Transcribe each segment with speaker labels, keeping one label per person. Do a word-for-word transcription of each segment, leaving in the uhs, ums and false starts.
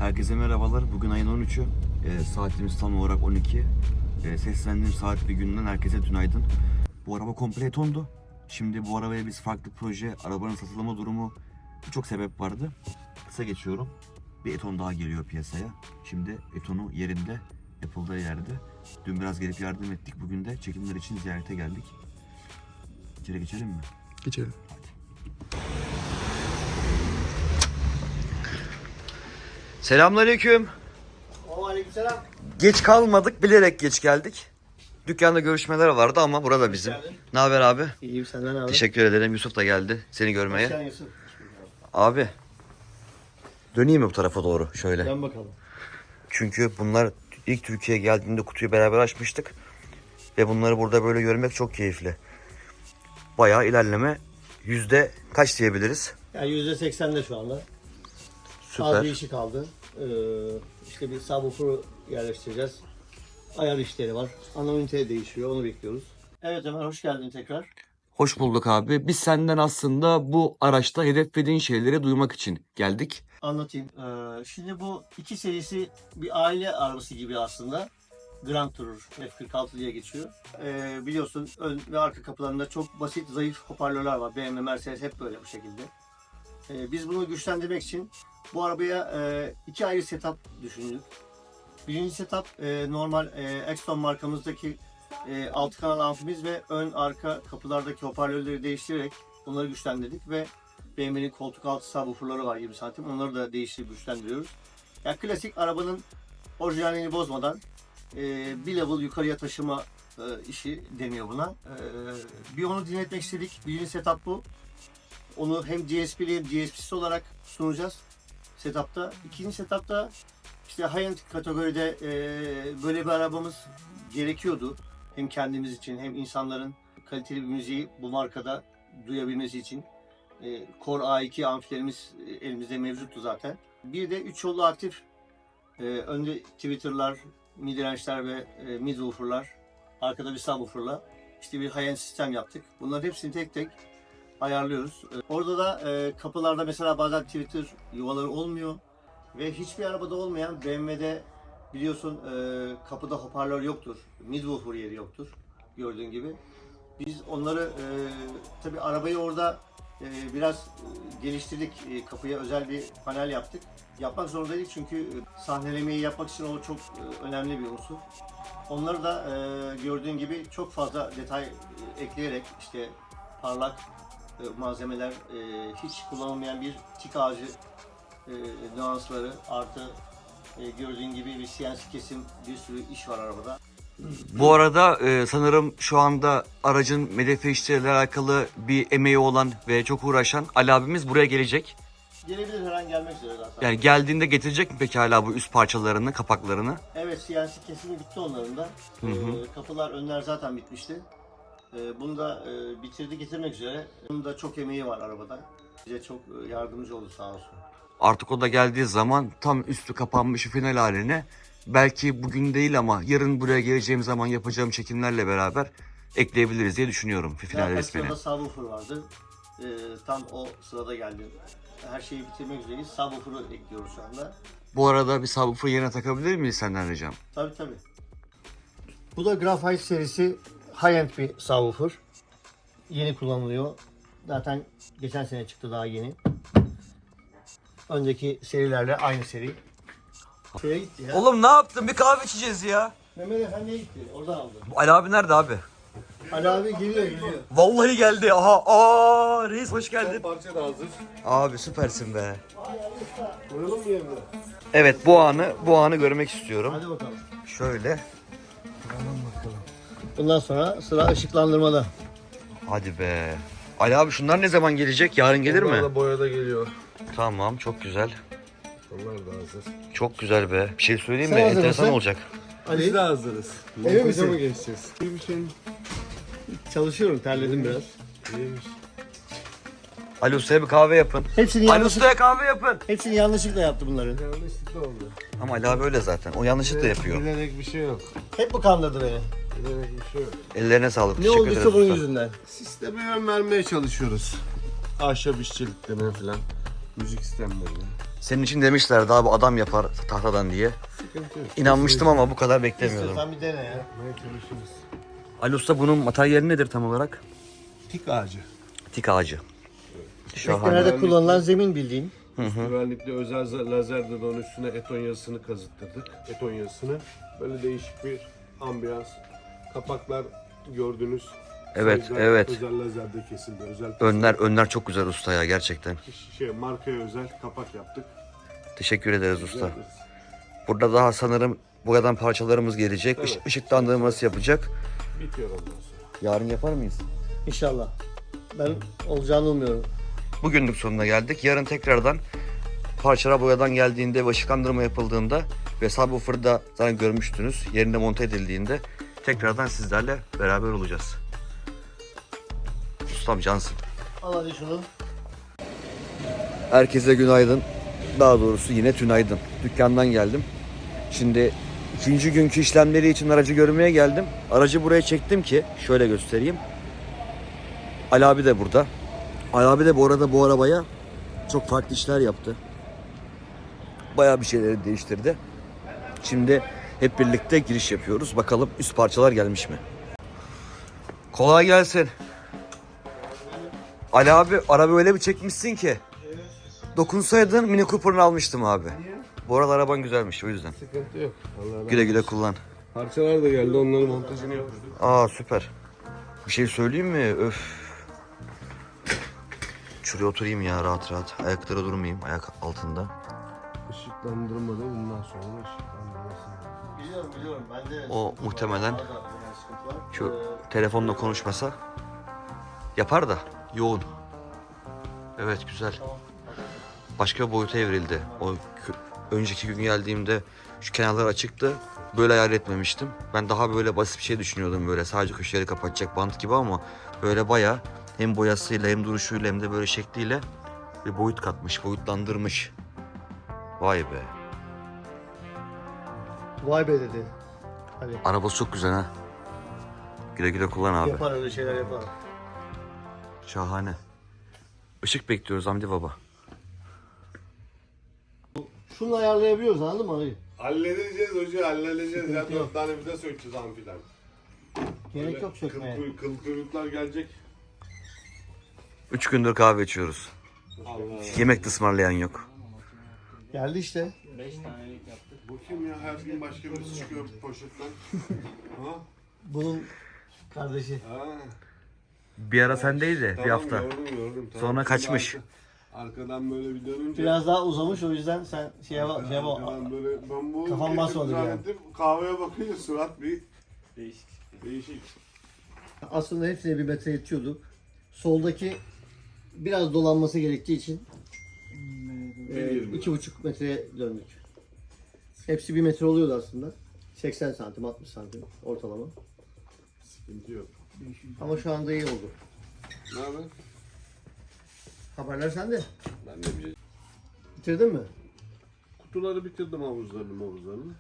Speaker 1: Herkese merhabalar. Bugün ayın on üçü. E, saatimiz tam olarak on iki. E, seslendiğim saat bir günden herkese günaydın. Bu araba komple Eton'du. Şimdi bu arabaya biz farklı proje, arabanın satılma durumu, birçok sebep vardı. Kısa geçiyorum. Bir Eton daha geliyor piyasaya. Şimdi Eton'u yerinde, Apple'da yerde. Dün biraz gelip yardım ettik. Bugün de çekimler için ziyarete geldik. İçeri geçelim mi?
Speaker 2: Geçelim.
Speaker 1: Hadi. Selamünaleyküm.
Speaker 3: Aleykümselam.
Speaker 1: Geç kalmadık, bilerek geç geldik. Dükkanda görüşmeler vardı ama burada bizim. Ne haber abi?
Speaker 3: İyiyim, senden abi.
Speaker 1: Teşekkür ederim. Yusuf da geldi seni görmeye.
Speaker 3: Sen Yusuf.
Speaker 1: Abi döneyim mi bu tarafa doğru şöyle?
Speaker 3: Dön bakalım.
Speaker 1: Çünkü bunlar ilk Türkiye'ye geldiğinde kutuyu beraber açmıştık. Ve bunları burada böyle görmek çok keyifli. Bayağı ilerleme. Yüzde kaç diyebiliriz?
Speaker 3: Yani yüzde seksende şu anda. Az
Speaker 1: Süper.
Speaker 3: bir işi kaldı. Ee, işte bir subwoofer'ı yerleştireceğiz. Ayar işleri var. Ana ünite değişiyor, onu bekliyoruz. Evet Ömer, hoş geldin tekrar.
Speaker 1: Hoş bulduk abi. Biz senden aslında bu araçta hedeflediğin şeyleri duymak için geldik.
Speaker 3: Anlatayım. Ee, şimdi bu iki serisi bir aile arabası gibi aslında. Grand Tourer F kırk altı diye geçiyor. Ee, biliyorsun ön ve arka kapılarında çok basit, zayıf hoparlörler var. B M W, Mercedes hep böyle bu şekilde. Ee, biz bunu güçlendirmek için bu arabaya e, iki ayrı setup düşündük. Birinci setup e, normal e, Exton markamızdaki e, altı kanal amfimiz ve ön arka kapılardaki hoparlörleri değiştirerek bunları güçlendirdik ve B M W'nin koltuk altı subwooferları var yirmi santim. Onları da değiştirip güçlendiriyoruz. Yani klasik arabanın orijinalini bozmadan e, bir level yukarıya taşıma e, işi deniyor buna. E, bir onu dinletmek istedik. Birinci setup bu. Onu hem D S P'li hem D S P'siz olarak sunacağız setup'ta. İkinci setup'ta işte high-end kategoride e, böyle bir arabamız gerekiyordu. Hem kendimiz için hem insanların kaliteli bir müziği bu markada duyabilmesi için. E, Core A iki amfilerimiz e, elimizde mevcuttu zaten. Bir de üç yollu aktif e, önde tweeter'lar, mid-range'ler ve e, mid-woofer'lar, arkada bir subwoofer'la işte bir high-end sistem yaptık. Bunların hepsini tek tek ayarlıyoruz. Orada da e, kapılarda mesela bazen Twitter yuvaları olmuyor ve hiçbir arabada olmayan B M W'de biliyorsun e, kapıda hoparlör yoktur, midwoofer yeri yoktur gördüğün gibi. Biz onları e, tabi arabayı orada e, biraz e, geliştirdik, e, kapıya özel bir panel yaptık. Yapmak zorundaydık çünkü e, sahnelemeyi yapmak için o çok e, önemli bir unsur. Onları da e, gördüğün gibi çok fazla detay e, ekleyerek işte parlak malzemeler, e, hiç kullanılmayan bir tik ağacı e, nüansları artı e, gördüğün gibi bir C N C kesim, bir sürü iş var arabada.
Speaker 1: Bu arada e, sanırım şu anda aracın medefe işleriyle alakalı bir emeği olan ve çok uğraşan Ali abimiz buraya gelecek.
Speaker 3: Gelebilir, her an gelmek üzere zaten.
Speaker 1: Yani geldiğinde getirecek mi peki hala bu üst parçalarını, kapaklarını?
Speaker 3: Evet, C N C kesimi bitti onların da.
Speaker 1: Hı hı.
Speaker 3: E, kapılar, önler zaten bitmişti. E, bunu da e, bitirdi, getirmek üzere. Bunun da çok emeği var arabada. Bize çok e, yardımcı oldu sağ olsun.
Speaker 1: Artık o da geldiği zaman tam üstü kapanmış final haline belki bugün değil ama yarın buraya geleceğim zaman yapacağım çekimlerle beraber ekleyebiliriz diye düşünüyorum final
Speaker 3: Zaten
Speaker 1: resmini.
Speaker 3: sırada subwoofer vardı. E, tam o sırada geldi. Her şeyi bitirmek üzereyiz. Subwoofer'ı ekliyoruz şu anda.
Speaker 1: Bu arada bir subwoofer yerine takabilir miyiz senden ricam?
Speaker 3: Tabii tabii. Bu da Graphite serisi high-end bir subwoofer. Yeni kullanılıyor. Zaten geçen sene çıktı, daha yeni. Önceki serilerle aynı seri. Şeye gitti ya.
Speaker 1: Oğlum ne yaptın? Bir kahve içeceğiz ya.
Speaker 3: Mehmet Efendi'ye gitti. Oradan aldı.
Speaker 1: Ali abi nerede abi?
Speaker 3: Ali abi geliyor geliyor.
Speaker 1: Vallahi geldi. Aha, aa reis hoş geldin.
Speaker 2: Parça da hazır.
Speaker 1: Abi süpersin be.
Speaker 3: Koyalım mı yerine?
Speaker 1: Evet bu anı bu anı görmek istiyorum.
Speaker 3: Hadi bakalım.
Speaker 1: Şöyle.
Speaker 3: Bundan sonra sıra ışıklandırmada.
Speaker 1: Hadi be. Ali abi şunlar ne zaman gelecek? Yarın gelir
Speaker 2: Onlar
Speaker 1: mi?
Speaker 2: da boyada geliyor.
Speaker 1: Tamam çok güzel.
Speaker 2: Onlar da hazır.
Speaker 1: Çok güzel be. Bir şey söyleyeyim
Speaker 3: Sen
Speaker 1: mi?
Speaker 3: hazır
Speaker 1: Enteresan
Speaker 3: mısın?
Speaker 1: olacak.
Speaker 2: Biz
Speaker 3: Ali,
Speaker 2: de hazırız.
Speaker 3: Emin
Speaker 2: Montaja
Speaker 3: misin?
Speaker 2: mı geçeceğiz? İyi bir şey.
Speaker 3: çalışıyorum, terledim biraz.
Speaker 2: İyiymiş.
Speaker 1: Ali Usta'ya bir kahve yapın.
Speaker 3: Hepsini
Speaker 1: Ali
Speaker 3: yanlış,
Speaker 1: Usta'ya kahve yapın.
Speaker 3: hepsini yanlışlıkla yaptı bunların.
Speaker 2: Yanlışlıkla oldu.
Speaker 1: Ama Ali abi öyle zaten. O yanlışlıkla yapıyor.
Speaker 2: Bilerek bir şey yok.
Speaker 3: Hep bu kandırdı beni.
Speaker 2: Bilerek bir şey yok.
Speaker 1: Ellerine sağlık.
Speaker 3: Ne
Speaker 1: Teşekkür
Speaker 3: olduysa
Speaker 1: ederiz
Speaker 3: bunun
Speaker 1: usta.
Speaker 3: yüzünden.
Speaker 2: Sisteme yön vermeye çalışıyoruz. Ahşap işçiliklerine falan. Müzik sistemleri.
Speaker 1: Senin için demişlerdi abi adam yapar tahtadan diye.
Speaker 2: Sıkıntı yok.
Speaker 1: İnanmıştım ama bu kadar beklemiyordum.
Speaker 3: İstiyorsan bir dene ya.
Speaker 2: Yapmaya çalışırız.
Speaker 1: Ali Usta bunun materyali nedir tam olarak?
Speaker 2: Tik ağacı.
Speaker 1: Tik ağacı. Şahane.
Speaker 3: Teknelerde kullanılan zemin bildiğin.
Speaker 2: Güvenlikli özel za- lazer dodonun üstüne eton yazısını kazıttırdık. Eton yazısını. Böyle değişik bir ambiyans. Kapaklar gördünüz.
Speaker 1: Evet,
Speaker 2: Sayılar
Speaker 1: evet.
Speaker 2: Özel lazerde kesildi. Özel
Speaker 1: Önler önler çok güzel usta ya gerçekten.
Speaker 2: şey markaya özel kapak yaptık.
Speaker 1: Teşekkür ederiz usta.
Speaker 2: Rica ederiz.
Speaker 1: Burada daha sanırım boyadan parçalarımız gelecek.
Speaker 2: Evet.
Speaker 1: Iş- ışıklandırması yapacak.
Speaker 2: Bitiyor ondan sonra.
Speaker 1: Yarın yapar mıyız?
Speaker 3: İnşallah. Ben olacağını umuyorum.
Speaker 1: Bugünlük sonuna geldik. Yarın tekrardan parçalar boyadan geldiğinde ve ışıklandırma yapıldığında ve subwoofer'da zaten görmüştünüz. Yerinde monte edildiğinde tekrardan sizlerle beraber olacağız. Ustam cansın.
Speaker 3: Al hadi şunu.
Speaker 1: Herkese günaydın. Daha doğrusu yine tünaydın. Dükkandan geldim. Şimdi ikinci günkü işlemleri için aracı görmeye geldim. Aracı buraya çektim ki şöyle göstereyim. Ali abi de burada. Ali abi de bu arada bu arabaya çok farklı işler yaptı. Bayağı bir şeyleri değiştirdi. Şimdi hep birlikte giriş yapıyoruz. Bakalım üst parçalar gelmiş mi? Kolay gelsin. Ali abi araba öyle bir çekmişsin ki. Dokunsaydın Mini Cooper'ını almıştım abi. Bu arada araban güzelmiş o yüzden.
Speaker 2: Sıkıntı yok. Allah
Speaker 1: Güle güle kullan.
Speaker 2: Parçalar da geldi. Onların montajını yapıyoruz.
Speaker 1: Aa süper. Bir şey söyleyeyim mi? Öf. Şuraya oturayım ya rahat rahat. Ayaklara durmayayım ayak altında.
Speaker 2: Işıklandırma da bundan sonra ışıklandırması.
Speaker 3: Biliyorum biliyorum. Ben de
Speaker 1: O muhtemelen
Speaker 3: Orada biraz sıkıntı var.
Speaker 1: şu
Speaker 3: Ee,
Speaker 1: telefonla konuşmasa yapar da yoğun. Evet güzel. Başka bir boyuta evrildi. O kö- önceki gün geldiğimde şu kenarlar açıktı. Böyle hayal etmemiştim. Ben daha böyle basit bir şey düşünüyordum böyle. Sadece köşeleri kapatacak bant gibi ama böyle bayağı hem boyasıyla hem duruşuyla hem de böyle şekliyle bir boyut katmış, boyutlandırmış. Vay be.
Speaker 3: Vay be dedi. Hani
Speaker 1: Arabası çok güzel ha. Güle güle kullan abi.
Speaker 3: yapar öyle şeyler yapar.
Speaker 1: Şahane. Işık bekliyoruz Hamdi baba.
Speaker 3: Şunu ayarlayabiliyoruz anladın mı? Hayır.
Speaker 2: Halledeceğiz hoca halledeceğiz.
Speaker 3: Sıkıntı
Speaker 2: Ya
Speaker 3: yok.
Speaker 2: dört tane vida sökeceğiz amfiden.
Speaker 3: Gerek yok
Speaker 2: Kıl,
Speaker 3: sökmeye.
Speaker 2: kuy- kıl kuyruklar gelecek.
Speaker 1: Üç gündür kahve içiyoruz.
Speaker 2: Allah.
Speaker 1: Yemek de ısmarlayan yok.
Speaker 3: Geldi işte.
Speaker 2: Bu kim ya? Her gün başka birisi çıkıyor poşetten. ha?
Speaker 3: Bunun kardeşi.
Speaker 2: Ha.
Speaker 1: Bir ara sendeydi bir
Speaker 2: Tamam,
Speaker 1: hafta.
Speaker 2: Gördüm, gördüm. Tamam.
Speaker 1: Sonra
Speaker 2: Şimdi
Speaker 1: kaçmış.
Speaker 2: arka- arkadan böyle bir dönünce.
Speaker 3: Biraz daha uzamış o yüzden sen şey yap şey yap.
Speaker 2: Arkadan böyle ben bu
Speaker 3: Kafam basmadı yani.
Speaker 2: zannettim, kahveye bakınca surat bir değişik. Değişik.
Speaker 3: Aslında hepsine bir metre yetiyordu. Soldaki biraz dolanması gerektiği için e,
Speaker 2: yirmi.
Speaker 3: iki buçuk metreye döndük. Hepsi bir metre oluyordu aslında. seksen santim, altmış santim ortalama.
Speaker 2: Sıkıntı yok.
Speaker 3: Ama şu anda iyi oldu.
Speaker 2: Ne haber?
Speaker 3: Haberler sende.
Speaker 2: Ben de bir
Speaker 3: Bitirdin mi?
Speaker 2: kutuları bitirdim havuzlarını havuzlarını.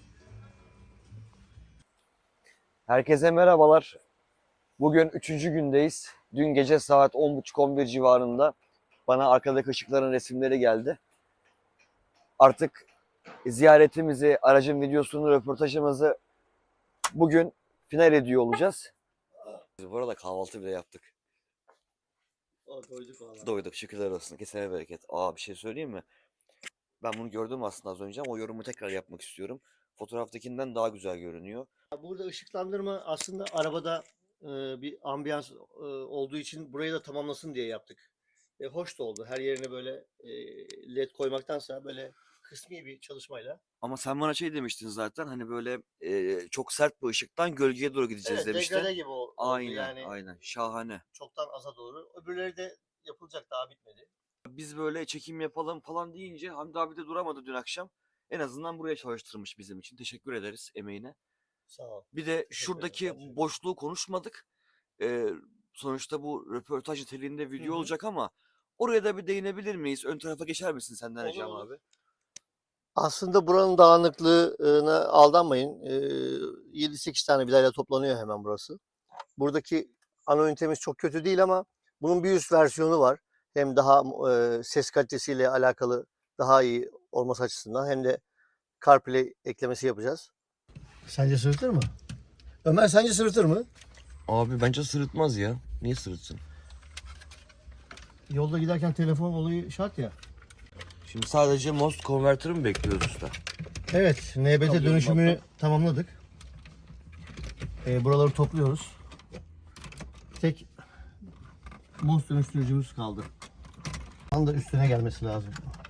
Speaker 1: Herkese merhabalar. Bugün üçüncü gündeyiz. Dün gece saat on buçuk on bir civarında bana arkadaki ışıkların resimleri geldi. Artık ziyaretimizi, aracın videosunu, röportajımızı bugün final ediyor olacağız. Bu arada kahvaltı bile yaptık.
Speaker 3: O, doyduk valla.
Speaker 1: Doyduk şükürler olsun. Kesene bereket. Aa bir şey söyleyeyim mi? Ben bunu gördüm aslında az önce ama o yorumu tekrar yapmak istiyorum. Fotoğraftakinden daha güzel görünüyor.
Speaker 3: Burada ışıklandırma aslında arabada e, bir ambiyans e, olduğu için burayı da tamamlasın diye yaptık. E, hoş da oldu. Her yerine böyle e, led koymaktansa böyle kısmi bir çalışmayla.
Speaker 1: Ama sen bana şey demiştin zaten hani böyle e, çok sert bir ışıktan gölgeye doğru gideceğiz
Speaker 3: Evet,
Speaker 1: demiştin.
Speaker 3: degrade gibi oldu.
Speaker 1: Aynen
Speaker 3: Yani
Speaker 1: aynen şahane.
Speaker 3: çoktan aza doğru. Öbürleri de yapılacak, daha bitmedi.
Speaker 1: Biz böyle çekim yapalım falan deyince Hamdi abi de duramadı dün akşam. En azından buraya çalıştırmış bizim için. Teşekkür ederiz emeğine.
Speaker 3: Sağ ol.
Speaker 1: Bir de
Speaker 3: ederim,
Speaker 1: şuradaki
Speaker 3: gerçekten.
Speaker 1: boşluğu konuşmadık. Ee, sonuçta bu röportaj niteliğinde video
Speaker 3: Hı hı.
Speaker 1: olacak ama oraya da bir değinebilir miyiz? Ön tarafa geçer misin senden
Speaker 3: Olur,
Speaker 1: ricam
Speaker 3: olur.
Speaker 1: abi?
Speaker 3: Aslında buranın dağınıklığına aldanmayın. Ee, yedi sekiz tane vidayla toplanıyor hemen burası. Buradaki ana ünitemiz çok kötü değil ama bunun bir üst versiyonu var. hem daha e, ses kalitesiyle alakalı daha iyi olması açısından hem de CarPlay eklemesi yapacağız. Sence sırıtır mı? Ömer sence sırıtır mı?
Speaker 1: Abi bence sırıtmaz ya. Niye sırıtsın?
Speaker 3: Yolda giderken telefon olayı şart ya.
Speaker 1: Şimdi sadece most converter'ı mı bekliyoruz usta?
Speaker 3: Evet, N B T
Speaker 2: Tabii,
Speaker 3: dönüşümünü
Speaker 2: baktım.
Speaker 3: tamamladık. Ee, buraları topluyoruz. Tek MOS dönüştürücümüz kaldı. Tam da üstüne gelmesi lazım.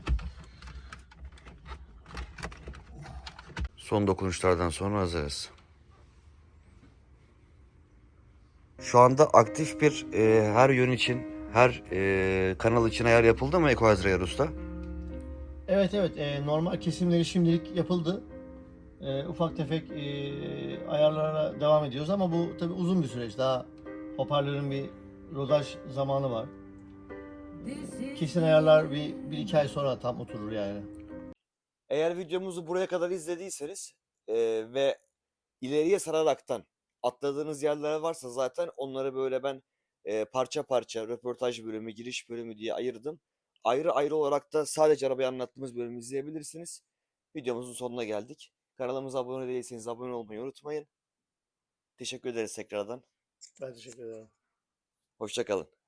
Speaker 1: Son dokunuşlardan sonra hazırız. Şu anda aktif bir e, her yön için, her e, kanal için ayar yapıldı mı Equalizer ayar usta?
Speaker 3: Evet evet, e, normal kesimleri şimdilik yapıldı. E, ufak tefek e, ayarlara devam ediyoruz ama bu tabii uzun bir süreç. Daha hoparlörün bir rodaj zamanı var. Kesin ayarlar bir, bir iki ay sonra tam oturur yani.
Speaker 1: Eğer videomuzu buraya kadar izlediyseniz e, ve ileriye sararaktan atladığınız yerler varsa zaten onları böyle ben e, parça parça röportaj bölümü, giriş bölümü diye ayırdım. Ayrı ayrı olarak da sadece arabayı anlattığımız bölümü izleyebilirsiniz. Videomuzun sonuna geldik. Kanalımıza abone değilseniz abone olmayı unutmayın. Teşekkür ederiz tekrardan.
Speaker 3: Ben teşekkür ederim.
Speaker 1: Hoşça kalın.